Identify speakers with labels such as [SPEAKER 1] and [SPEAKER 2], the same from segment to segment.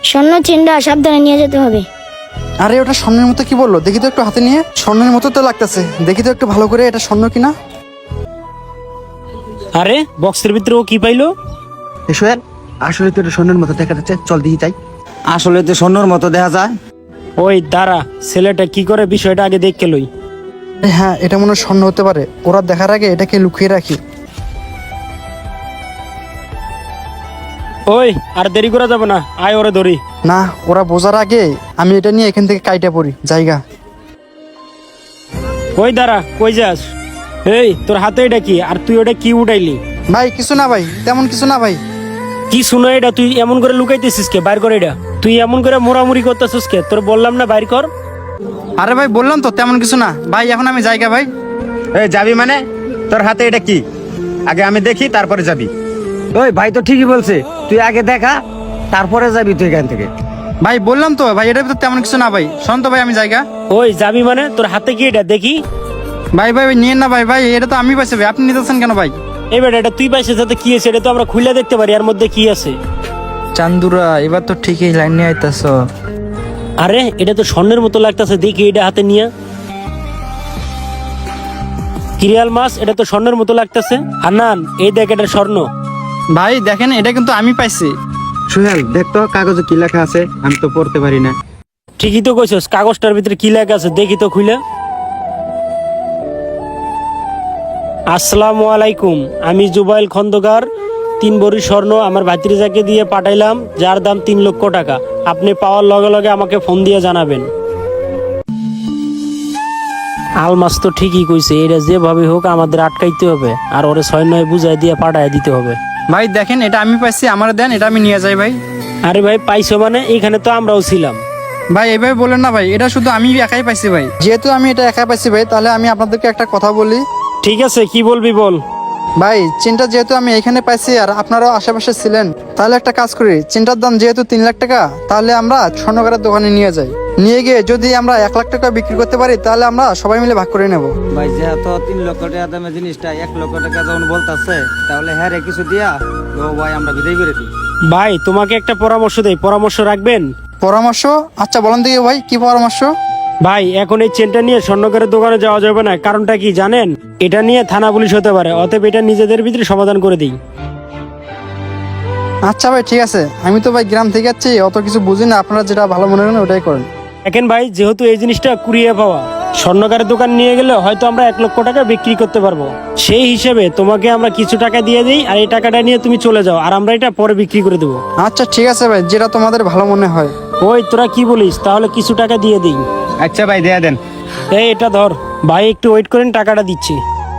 [SPEAKER 1] স্বর্ণ চেনটা সাবধানে নিয়ে যেতে হবে।
[SPEAKER 2] আরে ওটা স্বর্ণের মতো কি বললো, দেখি তো একটু হাতে নিয়ে। স্বর্ণের মতো তো লাগতেছে, দেখি তো একটু ভালো করে এটা স্বর্ণ কিনা।
[SPEAKER 3] আরে বক্সের ভিতরে ও কি পাইলো?
[SPEAKER 4] সোহেল, আসলে তো এটা স্বর্ণের মতো দেখা যাচ্ছে, চল দেখি তাই। আসলে তো স্বর্ণের মতো দেখা যায়।
[SPEAKER 3] ওই দাঁড়া, ছেলেটা কি করে বিষয়টা আগে দেখে লই।
[SPEAKER 2] হ্যাঁ, এটা মনে হয় স্বর্ণ হতে পারে। ওরা দেখার আগে এটাকে লুকিয়ে রাখি।
[SPEAKER 3] ওই আর দেরি করা যাবে না, আয় ওরে ধরি।
[SPEAKER 2] না, ওরা বোঝার আগে আমি এটা নিয়ে এখান থেকে কাইটা পড়ি জায়গা।
[SPEAKER 3] ওই দাঁড়া, কই যাস? এই তোর হাতে এটা কি, আর তুই ওটা কি উঠাইলি?
[SPEAKER 2] ভাই কিছু না ভাই, তেমন কিছু না ভাই।
[SPEAKER 3] কি শুনো এটা, তুই এমন করে লুকাইতেছিস কে? বাইর কর এটা। তুই এমন করে মোড়ামুড়ি করতেছিস কে? তোর বললাম না বাইর কর।
[SPEAKER 2] আরে ভাই বললাম তো তেমন কিছু না ভাই, এখন আমি জায়গা ভাই।
[SPEAKER 5] এই যাবি মানে? তোর হাতে এটা কি? আগে আমি দেখি তারপরে যাবি।
[SPEAKER 4] ওই ভাই তো ঠিকই বলছে, তুই আগে দেখা তারপরে যাবি তুই এখান থেকে।
[SPEAKER 2] ভাই বললাম তো ভাই, এটা তো তেমন কিছু না ভাই। শান্ত ভাই, আমি জায়গা।
[SPEAKER 3] ওই যাবি মানে? তোর হাতে কি এটা দেখি।
[SPEAKER 2] ভাই ভাই ভাই নিয়েন না ভাই, ভাই এটা তো আমি পাইছি ভাই, আপনি নিতেছেন কেন ভাই?
[SPEAKER 3] এবার এটা তুই পাইছিস, সাথে কি আছে এটা তো আমরা খুলে দেখতে পারি এর মধ্যে কি আছে।
[SPEAKER 6] চান্দুরা, এবার তো ঠিকই লাইন নিয়ে আইতাছ।
[SPEAKER 3] আরে এটা তো স্বর্ণের মতো লাগতেছে, দেখি এটা হাতে নিয়ে। কিরিয়াল মাছ, এটা তো স্বর্ণের মতো লাগতেছে। হান্নান, এই দেখ এটা স্বর্ণ।
[SPEAKER 2] ভাই দেখেন, এটা কিন্তু আমি পাইছি।
[SPEAKER 4] সোহেল দেখ তো কাগজে কি লেখা আছে, আমি তো পড়তে পারি না।
[SPEAKER 3] ঠিকই তো কইছস, কাগজটার ভিতরে কি লেখা আছে দেখি তো খুলে। আসসালামু আলাইকুম, আমি জুবাইল খন্দকার 3 ভরি স্বর্ণ আমার ভাতিজাকে দিয়ে পাঠাইলাম, যার দাম 3 লক্ষ টাকা। আপনি পাওয়ার লগে লগে আমাকে ফোন দিয়ে জানাবেন। আলমাস তো ঠিকই কইছে, এটা যেভাবে হোক আমাদের আটকাইতে হবে, আর ওরে 6-9 বুঝাই দিয়ে পাঠায় দিতে হবে।
[SPEAKER 2] ভাই দেখেন, এটা আমি পাইছি, আমার দেন, এটা আমি নিয়ে যাই ভাই।
[SPEAKER 3] আরে ভাই পাইছো মানে? এখানে তো আমরাও ছিলাম।
[SPEAKER 2] ভাই এইভাবে বলেন না ভাই, এটা শুধু আমি একাই পাইছি ভাই। যেহেতু আমি এটা একাই পাইছি ভাই, তাহলে আমি আপনাদেরকে একটা কথা বলি।
[SPEAKER 3] ঠিক আছে, কি বলবি বল।
[SPEAKER 2] ভাই চেনটা যেহেতু আমি এখানে পাইছি আর আপনারাও আশেপাশে ছিলেন, তাহলে একটা কাজ করি, চেনটার দাম যেহেতু 3 লাখ টাকা, তাহলে আমরা স্বর্ণকারের দোকানে নিয়ে যাই। নিয়ে গিয়ে যদি আমরা 1 লাখ টাকা বিক্রি করতে পারি, তাহলে আমরা সবাই মিলে ভাগ করে নেব।
[SPEAKER 4] ভাই যেহেতু 3 লক্ষ টাকা দামের জিনিসটা 1 লক্ষ টাকা যখন বলতেছে, তাহলে হ্যাঁ রে কিছু দিয়া ও ভাই আমরা বিদায় করে দিই।
[SPEAKER 3] ভাই তোমাকে একটা পরামর্শ দেই, পরামর্শ রাখবেন?
[SPEAKER 2] পরামর্শ? আচ্ছা বলেন দেখি ভাই, কি পরামর্শ?
[SPEAKER 3] ভাই এখন এই চেনটা নিয়ে স্বর্ণকারের দোকানে যাওয়া যাবে না। কারণটা কি জানেন? এটা নিয়ে থানা পুলিশ হতে পারে, অতএব এটা নিজেদের ভিতরে সমাধান করে দিই।
[SPEAKER 2] আচ্ছা ভাই ঠিক আছে, আমি তো ভাই গ্রাম থেকে যাচ্ছি, অত কিছু বুঝি না, আপনারা যেটা ভালো মনে করেন ওটাই করেন।
[SPEAKER 3] দেখেন ভাই, যেহেতু এই জিনিসটা কুড়িয়ে পাওয়া, স্বর্ণকারের দোকান নিয়ে গেলে হয়তো আমরা 1 লক্ষ টাকা বিক্রি করতে পারবো। সেই হিসেবে তোমাকে আমরা কিছু টাকা দিয়ে দিই, আর এই টাকাটা নিয়ে তুমি চলে যাও, আর আমরা এটা পরে বিক্রি করে দেবো।
[SPEAKER 2] আচ্ছা ঠিক আছে ভাই, যেটা তোমাদের ভালো মনে হয়।
[SPEAKER 3] ওই তোরা কি বলিস? তাহলে কিছু টাকা দিয়ে দিই।
[SPEAKER 5] আচ্ছা ভাই দিয়ে দেন।
[SPEAKER 3] এই এটা ধর ভাই, একটু ওয়েট করেন, টাকাটা দিচ্ছি।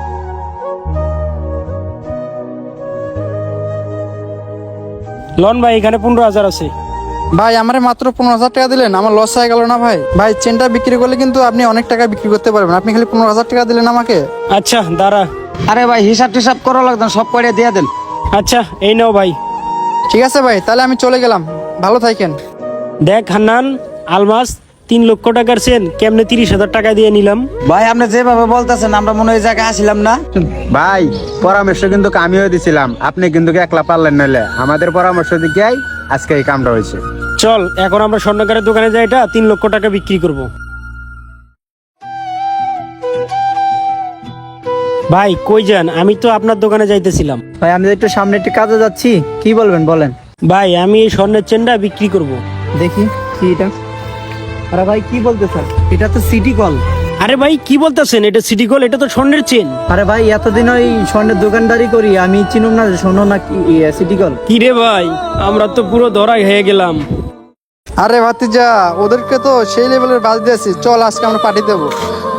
[SPEAKER 3] লন ভাই, এখানে 15,000 আছে।
[SPEAKER 2] ভাই আমারে মাত্র 15,000 টাকা দিলেন, আমার লস হয়ে গেল না ভাই? ভাই চেনটা বিক্রি করলে কিন্তু আপনি অনেক টাকা বিক্রি করতে পারবেন, আপনি খালি 15,000 টাকা দিলেন আমাকে।
[SPEAKER 3] আচ্ছা দাঁড়া।
[SPEAKER 4] আরে ভাই হিসাব টিসাব করা লাগতো, সব করে দিয়ে দেন।
[SPEAKER 3] আচ্ছা এই নাও ভাই।
[SPEAKER 2] ঠিক আছে ভাই, তাহলে আমি চলে গেলাম, ভালো থাকেন।
[SPEAKER 3] দেখ হান্নান, আলমাস 3 লক্ষ টাকার চেন কেমনে 30,000 টাকা দিয়ে নিলাম।
[SPEAKER 4] ভাই আপনি যেভাবে বলতেছেন আমরা মনে হয় জায়গায় আসিলাম না।
[SPEAKER 5] ভাই পরামর্শ কিন্তু আমিও দিছিলাম, আপনি কিন্তু একলা পারলেন নইলে আমাদের পরামর্শ দিকে আজকে এই কামটা হয়েছে।
[SPEAKER 3] চল এখন আমরা স্বর্ণকারের দোকানে যাই, এটা 3 লক্ষ টাকা বিক্রি করব। ভাই কই যান? আমি তো আপনার দোকানে যাইতেছিলাম।
[SPEAKER 6] ভাই আমি একটু সামনে একটু কাজে যাচ্ছি, কি বলবেন বলেন।
[SPEAKER 3] ভাই আমি এই স্বর্ণের চেনটা বিক্রি করব।
[SPEAKER 6] দেখি কি এটা। আরে ভাই কি বলতেছেন, এটা তো সিটি কল।
[SPEAKER 3] আরে ভাই কি বলতেছেন? এটা সিটি গোল্ড, এটা তো স্বর্ণের চেন।
[SPEAKER 6] আরে ভাই এতদিন ওই স্বর্ণের দোকানদারি করি, আমি চিনুম না যে স্বর্ণ না কি সিটি কল।
[SPEAKER 3] কি রে ভাই, আমরা তো পুরো ধরাই হয়ে গেলাম।
[SPEAKER 2] আরে ভাতিজা, ওদেরকে তো সেই লেভেলের বাজ দিয়েছি, চল আজকে আমরা পার্টি দেবো।